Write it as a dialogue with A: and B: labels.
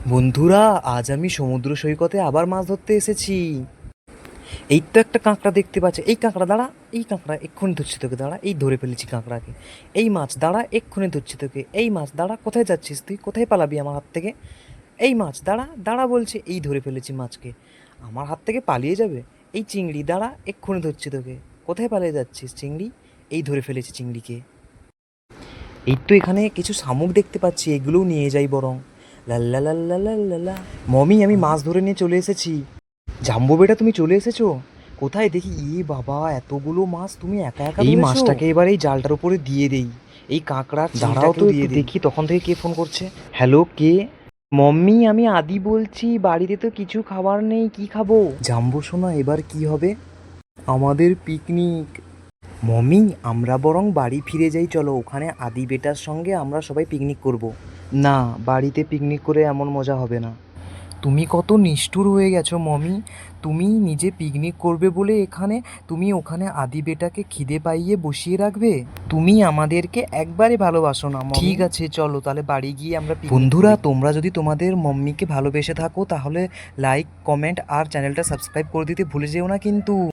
A: বন্ধুরা, আজ আমি সমুদ্র সৈকতে আবার মাছ ধরতে এসেছি। এই তো একটা কাঁকড়া দেখতে পাচ্ছি। এই কাঁকড়া দাঁড়া, এই কাঁকড়া এক্ষুনি ধরছি তোকে, দাঁড়া, এই ধরে ফেলেছি কাঁকড়াকে। এই মাছ দাঁড়া, এক্ষুনি ধরছি তোকে। এই মাছ দাঁড়া, কোথায় যাচ্ছিস তুই? কোথায় পালাবি আমার হাত থেকে? এই মাছ দাঁড়া, দাঁড়া বলছি, এই ধরে ফেলেছি মাছকে। আমার হাত থেকে পালিয়ে যাবে? এই চিংড়ি দাঁড়া, এক্ষুনি ধরছি তোকে। কোথায় পালিয়ে যাচ্ছিস চিংড়ি? এই ধরে ফেলেছি চিংড়িকে। এই তো এখানে কিছু শামুক দেখতে পাচ্ছি, এগুলোও নিয়ে যাই বরং। লাল্লা লাল্লা লাল্লা। মমি, আমি মাছ ধরে নিয়ে চলে এসেছি। জাম্বো বেটা, তুমি চলে এসেছো? কোথায় দেখি? বাবা, এতগুলো মাছ তুমি একা একা এই ধরেছো? মাছটাকে এবার এই জালটার উপরে দিয়ে দেই। এই কাঁকড়ার দাঁড়াও তো দিয়ে দেখি তখন থেকে কে ফোন করছে। হ্যালো, কে? মম্মি, আমি আদি বলছি। বাড়িতে তো কিছু খাবার নেই, কি খাবো? জাম্বো শোনা, এবার কি হবে? আমাদের পিকনিক। মমি, আমরা বরং বাড়ি ফিরে যাই, চলো। ওখানে আদি বেটার সঙ্গে আমরা সবাই পিকনিক করব। না, বাড়িতে পিকনিক করে এমন মজা হবে না। তুমি কত নিষ্ঠুর হয়ে গেছো মমি। তুমি নিজে পিকনিক করবে বলে এখানে, তুমি ওখানে আদি বেটাকে খিদে পাইয়ে বসিয়ে রাখবে? তুমি আমাদেরকে একবারে ভালোবাসো না মমি। ঠিক আছে, চলো তাহলে বাড়ি গিয়ে আমরা বন্ধুরা, তোমরা যদি তোমাদের মম্মিকে ভালোবেসে থাকো তাহলে লাইক, কমেন্ট আর চ্যানেলটা সাবস্ক্রাইব করে দিতে ভুলে যেও না কিন্তু।